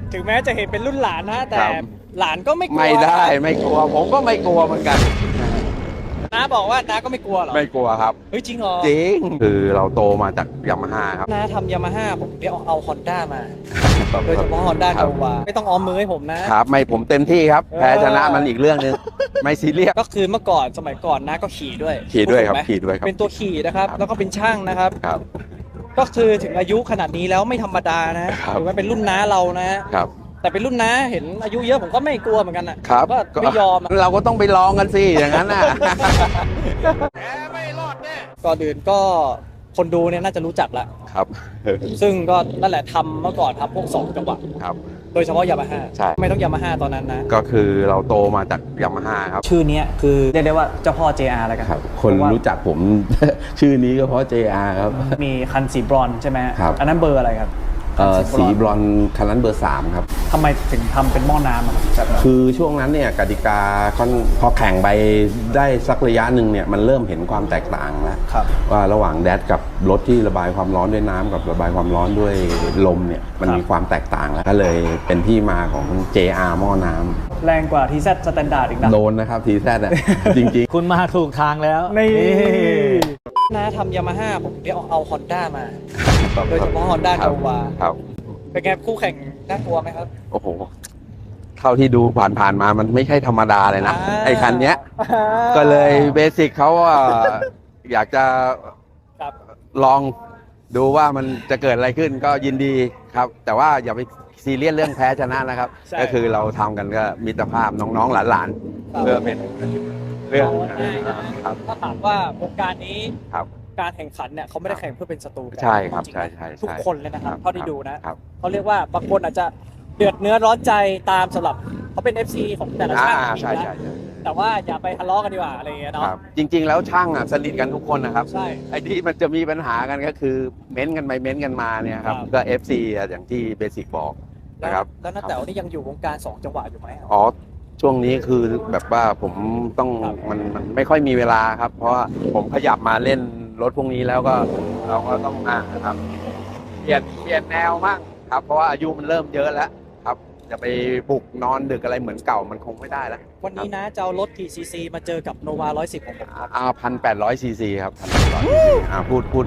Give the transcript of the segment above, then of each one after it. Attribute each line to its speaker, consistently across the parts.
Speaker 1: ถึงแม้จะเห็นเป็นรุ่นหลานนะแต่หลานก็ไม่กลัว
Speaker 2: ไม่ได้ไม่กลัวผมก็ไม่กลัวเหมือนกัน
Speaker 1: น้าบอกว่าน้าก็ไม่กลัวหรอ
Speaker 2: ไม่กลัวครับ
Speaker 1: เฮ้ยจริงเหรอ
Speaker 2: จริงคือเราโตมาจากยามาฮ่าครับ
Speaker 1: น้าทำยามาฮ่าผมเดี๋ยวเอาฮอนด้ามาโดยเฉพาะฮอนด้าโนวาไม่ต้องออมมือให้ผมนะครับ
Speaker 2: ไม่ผมเต็มที่ครับแพ้ชนะมันอีกเรื่องนึงไม่ซีเรียส
Speaker 1: ก็คือเมื่อก่อนสมัยก่อนน้าก็ขี่ด้วย
Speaker 2: ครับขี่ด้วยครับ
Speaker 1: เป็นตัวขี่นะครับแล้วก็เป็นช่างนะครับ
Speaker 2: ครับ
Speaker 1: ก็คือถึงอายุขนาดนี้แล้วไม่ธรรมดานะถือว่าเป็นรุ่นน้าเรานะครับแต่เป็นรุ่นน้าเห็นอายุเยอะผมก็ไม่กลัวเหมือนกันนะครับก็ไม่ยอม
Speaker 2: เราก็ต้องไปลองกันสิอย่างนั้นน่ะ
Speaker 1: แกไม่รอดแน่ก่อนอื่นก็คนดูเนี่ยน่าจะรู้จักละ
Speaker 2: ครับ
Speaker 1: ซึ่งก็นั่นแหละทำเมื่อก่อนครับพวก2จังหวะ
Speaker 2: ครับ
Speaker 1: โดยเฉพาะยามาฮ่า
Speaker 2: ใช่
Speaker 1: ไม่ต้องยามาฮ่าตอนนั้นนะ
Speaker 2: ก็คือเราโตมาจากยามาฮ่าครับ
Speaker 1: ชื่อนี้คือเรียกได้ว่าเจ้าพ่อ JR แล้วกัน
Speaker 3: ครับคนรู้จักผม ชื่อนี้ก็เพราะ JR ครับ
Speaker 1: มีคันสีบรอนซ์ใช่ไหม
Speaker 3: ครับ
Speaker 1: อันนั้นเบอร์อะไรครับ
Speaker 3: สีบรอนซ์คันนั้นเบอร์3ครับ
Speaker 1: ทำไมถึงทำเป็นหม้อน้ำครับ
Speaker 3: คือช่วงนั้นเนี่ยกติกาพอแข่งไปได้สักระยะหนึ่งเนี่ยมันเริ่มเห็นความแตกต่างแล้วว่าระหว่างแดดกับรถที่ระบายความร้อนด้วยน้ำกับระบายความร้อนด้วยลมเนี่ยมันมีความแตกต่างแล้วก็เลยเป็นที่มาของ JR หม้อน้ำ
Speaker 1: แรงกว่า TZ Standard อีกนะ
Speaker 3: โดนนะครับ TZ อ่ะ จริง
Speaker 1: ๆคุณมาถูกทางแล้วนี่น้าทำยามาฮ่าผมเดี๋ยวเอาฮอนด้ามาโดยเฉพาะฮอนด้าโนวาเป็นไงคู่แข่งน่ากลัวไหมครับ
Speaker 2: โอ้โหเท่าที่ดูผ่านมามันไม่ใช่ธรรมดาเลยนะไอ้คันเนี้ยก็เลยเบสิกเขาว่าอยากจะลองดูว่ามันจะเกิดอะไรขึ้นก็ยินดีครับแต่ว่าอย่าไปซีเรียสเรื่องแพ้ชนะนะครับก็คือเราทำกันก็มิตรภาพน้องๆหลานๆเพื่อเป็นเรื่อง
Speaker 1: ถ้าถามว่าวงการนี้การแข่งขันเนี่ยเขาไม่ได้แข่งเพื่อเป็นศัตรูกัน
Speaker 2: ใช่ครับใช่
Speaker 1: ทุกคนเลยนะครับเท่าที่ดูนะเขาเรียกว่าบางคนอาจจะเดือดเนื้อร้อนใจตามสำหรับเขาเป็น FC ของแต่ละช่าง
Speaker 2: ใช่
Speaker 1: แต่ว่าอย่าไปทะเลาะกันดีกว่าอะไรอย่างเงี้ยเนาะ
Speaker 2: จริงๆแล้วช่างสนิทกันทุกคนนะครับใช่ไอ้ที่มันจะมีปัญหากันก็คือเม้นกันไปเม้นกันมาเนี่ยครับก็ FC อย่างที่เบสิกบอกนะครับ
Speaker 1: แล้วน้าแต๋วนี่ยังอยู่วงการ2จังหวะอยู่ไหม
Speaker 2: อ๋อช่วงนี้คือแบบว่าผมต้องมันไม่ค่อยมีเวลาครับเพราะว่าผมขยับมาเล่นรถพวกนี้แล้วก็เราก็ต้องมาครับเปลี่ยนแนวบ้างครับเพราะว่าอายุมันเริ่มเยอะแล้วครับจะไปบุกนอนดึกอะไรเหมือนเก่ามันคงไม่ได้แล้ว
Speaker 1: วันนี้นะจะเอารถกี่ซีซีมาเจอกับโนวา110ของผม
Speaker 2: 1,800 ซีซีครับพูด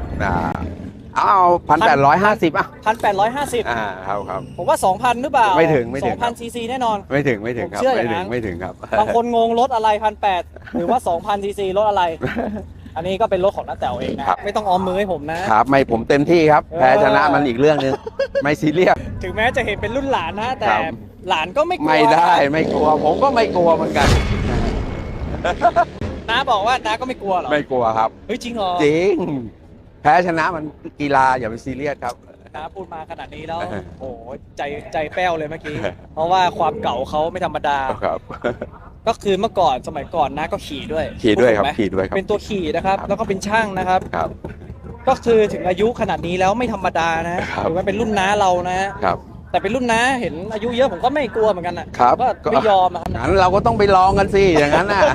Speaker 2: 1,850ครับ
Speaker 1: ผมว่า 2,000 หรือเปล่า
Speaker 2: ไม่ถึง
Speaker 1: 2,000 ซีซีแน่นอน
Speaker 2: ไม่ถึงครับไม่ถึงครับ
Speaker 1: บางคนงงรถอะไร 1,800 หรือว่า 2,000 ซีซีรถอะไรอันนี้ก็เป็นรถของน้าแต๋วเองนะไม่ต้องออมมือให้ผมนะครับ
Speaker 2: ไม่ผมเต็มที่ครับแพ้ชนะมันอีกเรื่องนึงไม่ซีเรียส
Speaker 1: ถึงแม้จะเห็นเป็นรุ่นหลานนะแต่หลานก็ไม่กลัว
Speaker 2: ไม่ได้ไม่กลัวผมก็ไม่กลัวเหมือนกัน
Speaker 1: น้าบอกว่าน้าก็ไม่กลัวหรอ
Speaker 2: ไม่กลัวครับ
Speaker 1: เฮ้ยจริงเหรอ
Speaker 2: จริงแพ้ชนะมันกีฬาอย่าไปซีเรียสครับ
Speaker 1: น้าพูดมาขนาดนี้แล้วโอ้ใจแป้วเลยเมื่อกี้เพราะว่าความเก่าเขาไม่ธรรมดา
Speaker 2: ครับ
Speaker 1: ก็คือเมื่อก่อนสมัยก่อนน้าก็ขี่ด้วย
Speaker 2: ครับ
Speaker 1: เป็นตัวขี่นะครับแล้วก็เป็นช่างนะครับก็คือถึงอายุขนาดนี้แล้วไม่ธรรมดานะถือว่าเป็นรุ่นน้าเรานะครับแต่เป็นรุ่นน้าเห็นอายุเยอะผมก็ไม่กลัวเหมือนกันนะครับก็ไม่ยอมครับ
Speaker 2: งั้นเราก็ต้องไปลองกันสิอย่างนั้นน่ะ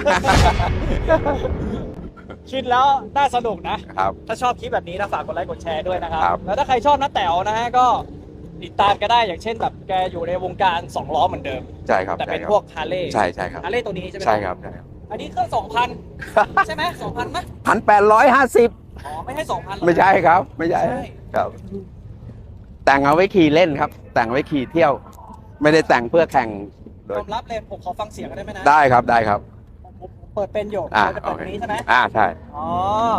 Speaker 1: คิดแล้วน่าสนุกนะครับถ้าชอบคลิปแบบนี้นะฝากกดไลค์กดแชร์ด้วยนะครับแล้วถ้าใครชอบน้าแต๋วนะฮะก็ติดตามกันได้อย่างเช่นแบบแกอยู่ในวงการ2ล้อเหมือนเดิม
Speaker 2: ใช่ครับ
Speaker 1: แต่เป็นพวกฮาร์เลย์
Speaker 2: ใช่ครับ
Speaker 1: ฮาร์เลย์ตัวนี้ใช่ไหม
Speaker 2: ใช่ครับ
Speaker 1: อันนี้เครื่อง 2,000 ใช่ไหม 2,000 มั้ย
Speaker 2: 1,850
Speaker 1: อ๋อไม่ให้ 2,000
Speaker 2: ไม่ใช่ครับไม่ใช่ครับแต่งเอาไว้ขี่เล่นครับแต่งไว้ขี่เที่ยวไม่ได้แต่งเพื่อแข่ง
Speaker 1: ยอมรับเลยผมขอฟังเสียงได้ไหมนะ
Speaker 2: ได้ครับ
Speaker 1: ผมเปิดเป็นอยู่จะเปิดนี้ใช่ไหม
Speaker 2: ใช่
Speaker 1: อ๋อ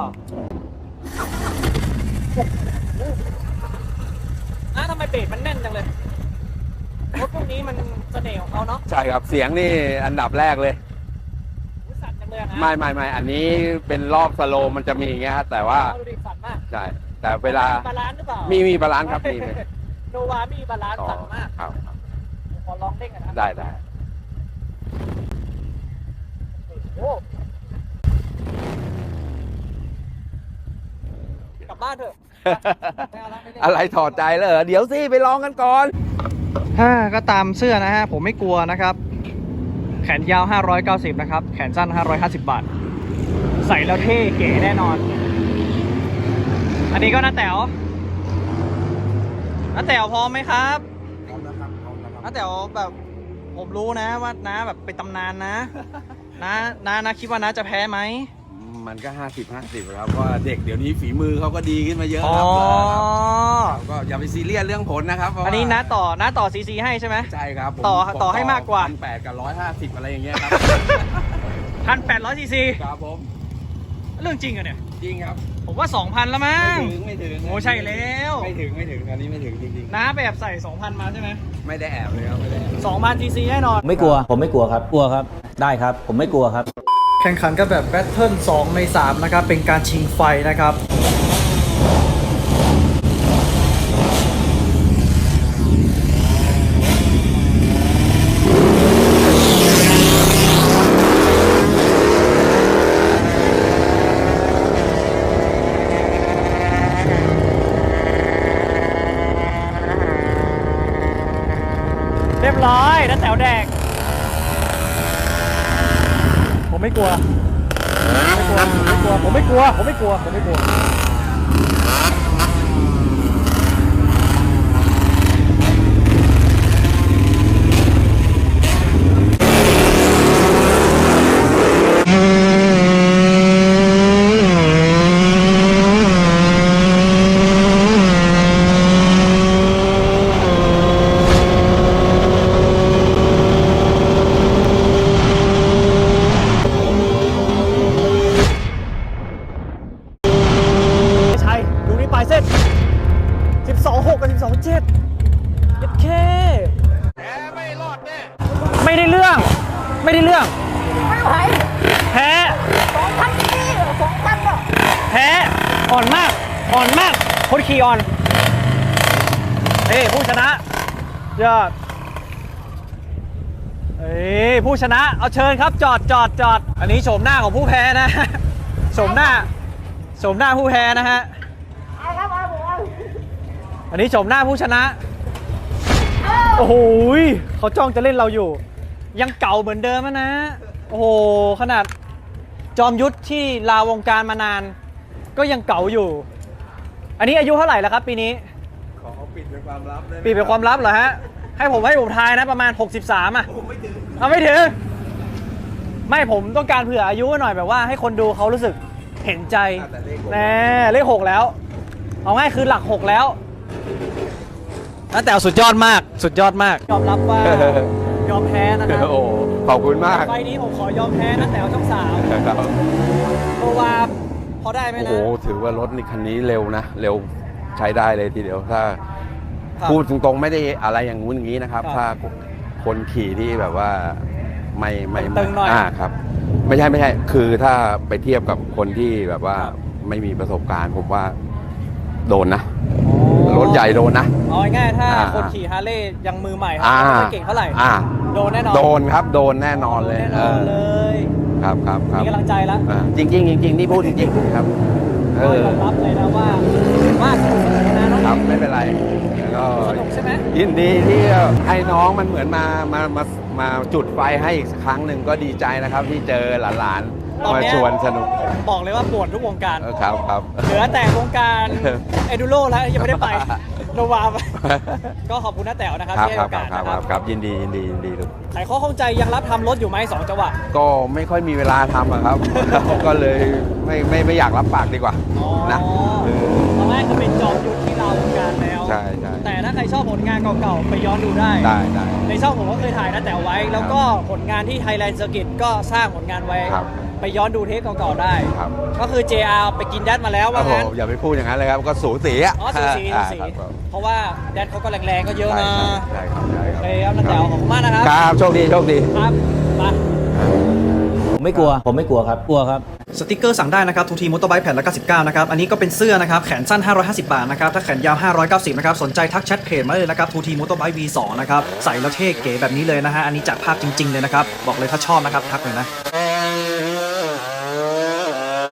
Speaker 1: ทำไมเบรกมันแน่นจังเลยรถพวกนี้มันเสน่ห์ของเขาเนาะ
Speaker 2: ใช่ครับเสียงนี่อันดับแรกเลย
Speaker 1: สั่นจังเลยนะ
Speaker 2: ไม่อันนี้เป็นรอบสโลว์มันจะมีอย่างเงี้ยแต่ว่า
Speaker 1: สั่นมาก
Speaker 2: ใช่แต่เวลา
Speaker 1: บาลานซ์หรือเปล่า
Speaker 2: มีบาลานซ์ครับมี
Speaker 1: โนวามีบาลานซ์สั่นมาก
Speaker 2: ครับ
Speaker 1: ขอลองเด้งกันนะ
Speaker 2: ได้
Speaker 1: โอ้กลับบ้านเถอะ
Speaker 2: อะไรถอดใจเลยเดี๋ยวสิไปลองกันก่อน
Speaker 1: ก็ตามเสื้อนะฮะผมไม่กลัวนะครับแขนยาว590นะครับแขนสั้น550 บาทใส่แล้วเท่เก๋แน่นอนอันนี้ก็น้าแต๋วพร้อมไหมครับพร้อมแล้วครับน้าแต๋วแบบผมรู้นะว่าน้าแบบเป็นตำนานนะ น้าคิดว่าน้าจะแพ้ไหม
Speaker 2: มันก็50-50ครับเพราะว่าเด็กเดี๋ยวนี้ฝีมือเขาก็ดีขึ้นมาเยอะ
Speaker 1: อ๋อ
Speaker 2: ครับก็อย่าไปซีเรียสเรื่องผลนะครับเพราะว่า
Speaker 1: อันนี้น้าต่อซีให้ใช่ไหม
Speaker 2: ใช่ครับผม
Speaker 1: ต่อให้มากกว่า
Speaker 2: 1,800 กับ 150อะไรอย่างเงี้ยครับ
Speaker 1: 1,800 ซีซี
Speaker 2: ครับผม
Speaker 1: เรื่องจริงอะเนี่ย
Speaker 2: จริงครับ
Speaker 1: ผมว่า 2,000 แล้วมั้ง
Speaker 2: ไม่ถึง
Speaker 1: โอ้ใช่แล้ว
Speaker 2: ไม่ถึงอันนี้ไม่ถึงจริง
Speaker 1: น้าไปแอบใส่ 2,000 มาใช่ไหม
Speaker 2: ๆไม่ได้แอบเลยครับไม่ได้แอบ
Speaker 1: 2,000 ซีซีแน่นอน
Speaker 4: ไม่กลัว ผมไม่กลัวครับ กลัวครับ ได้ครับ ผมไม่กลัวครับ
Speaker 1: แข่งขันกันแบบแบทเทิล2 ใน 3 นะครับ เป็นการชิงไฟนะครับ เรียบร้อยน้าแต๋วแดก ผมไม่กลัว ผมไม่กลัว ใช่ดูนี่ปลายเส้น 12.6 กับ 12.7เย็ดเคแพ้ไม่รอดแน่ ไม่ได้เรื่อง ไม่ไหวแพ้2,000นี่2,000อ่ะแพ้อ่อนมากคนขี่อ่อนผู้ชนะยอดผู้ชนะเอาเชิญครับจอดอันนี้โฉมหน้าของผู้แพ้นะโฉมหน้าผู้แพ้นะฮะอันนี้โฉมหน้าผู้ชนะโอ้โหเขาจ้องจะเล่นเราอยู่ ยังเก่าเหมือนเดิมนะโอ้โหขนาดจอมยุทธที่ลาวงการมานาน ก็ยังเก่าอยู่ อันนี้อายุเท่าไหร่แล้วครับปีนี้
Speaker 2: ขอปิดเป็นความลับได้ไหม
Speaker 1: ปีเป็นความลับเหรอฮะให้ผมทายนะประมาณ63อ่ะ
Speaker 2: ผมไม่ถึง
Speaker 1: เอาไม่ถึงไม่ผมต้องการเผื่ออายุหน่อยแบบว่าให้คนดูเขารู้สึกเห็นใจแน่เลข 6 แล้วเอาง่ายคือหลัก 6 แล้วแต่สุดยอดมากยอมรับว่ายอมแพ้นะครับ
Speaker 2: โอ้ขอบคุณมาก
Speaker 1: ไฟล์นี้ผมขอยอมแพ้นะแต่ช่อง3
Speaker 2: ครับ
Speaker 1: เพราะว่าพอได้ไหม
Speaker 2: โอ้
Speaker 1: นะ
Speaker 2: โหถือว่ารถนี่คันนี้เร็วนะเร็วใช้ได้เลยทีเดียวถ้า
Speaker 1: ครับ
Speaker 2: พูดตรงๆไม่ได้อะไรอย่างงู้นอย่างนี้นะครับ
Speaker 1: ครับ
Speaker 2: ถ้าคนขี่ที่แบบว่าไม่
Speaker 1: ตึงหน่อย
Speaker 2: ครับ ไม่ใช่คือถ้าไปเทียบกับคนที่แบบว่า
Speaker 1: ครับ
Speaker 2: ไม่มีประสบการณ์ผมว่าโดนนะรถใหญ่โดนนะ
Speaker 1: เอาง่ายๆถ้า
Speaker 2: อ่า
Speaker 1: คนขี่ฮาร์เลย์ยังมือใหม่
Speaker 2: อ่า
Speaker 1: ไม่ค่อยเก่งเท่าไหร่ โดนแน่นอน
Speaker 2: โดนครับโดนแน่นอนเลย
Speaker 1: แน่นอนเลย
Speaker 2: ครับ
Speaker 1: มีกำลังใจแล้ว
Speaker 2: จริงนี่พูดจริงๆครับ
Speaker 1: ก็ยอมรับเลยนะว่าสนุกนะน้อง
Speaker 2: ครับไม่เป็นไรแล้วก็
Speaker 1: สนุกใช่ไหม
Speaker 2: ยินดีที่ให้น้องมันเหมือนมาจุดไฟให้อีกสักครั้งหนึ่งก็ดีใจนะครับ ที่เจอหลานๆมาชวนสนุก
Speaker 1: บอกเลยว่าปวดทุกวงการ
Speaker 2: ครับ
Speaker 1: เหลือแต่วงการเอดูโรแล้วยังไม่ได้ไปโนวาไปก็ขอบคุณน้าแต๋วนะครับที่ให้โอกาสนะครับ
Speaker 2: ครับยินดีลูก
Speaker 1: ไขข้อข้องใจยังรับทำรถอยู่ไหม2 จังหวะ
Speaker 2: ก็ไม่ค่อยมีเวลาทำอะครับ ก็เลยไม่อยากรับปากดีกว่านะเออ
Speaker 1: ตอนแรกก็เป็นจอมยุทธที่เราวงการแล้ว
Speaker 2: ใช่
Speaker 1: แต่ถ้าใครชอบผลงานเก่าๆไปย้อนดูได้
Speaker 2: ได้
Speaker 1: ในช่องผมก็เคยถ่ายน้าแต๋วไว้ แล้วก็ผลงานที่ Thailand Circuit ก็สร้างผลงานไว้
Speaker 2: ครับ
Speaker 1: ไปย้อนดูเทปเก่าๆได้
Speaker 2: ครับ
Speaker 1: ก็คือ JR ไปกินแดดมาแล้วว่า
Speaker 2: โอ้โห
Speaker 1: งั้น
Speaker 2: อย่าไปพูดอย่างนั้นเลยครับก็สูสีอะ
Speaker 1: อ๋อสูสี
Speaker 2: ครับ
Speaker 1: เพราะว่าแดดเขาก็แรงๆก็เยอะนะ
Speaker 2: ใช่ครับ
Speaker 1: โอเคครับน้าแต๋วขอบคุณมากนะครับ
Speaker 2: ครับโชคดี
Speaker 1: ครับมา
Speaker 4: ผมไม่กลัวครับ กลัวครับ
Speaker 1: สติกเกอร์สั่งได้นะครับทูทีมอเตอร์ไบค์แผ่นละ99นะครับ อันนี้ก็เป็นเสื้อนะครับ แขนสั้น 550 บาทนะครับ ถ้าแขนยาว 590 นะครับ สนใจทักแชทเพจมาเลยนะครับทูทีมอเตอร์ไบค์ V2 นะครับ ใส่แล้วเท่เก๋แบบนี้เลยนะฮะ อันนี้จากภาพจริง ๆ เลยนะครับ บอกเลยถ้าชอบนะครับ ทักเลยนะ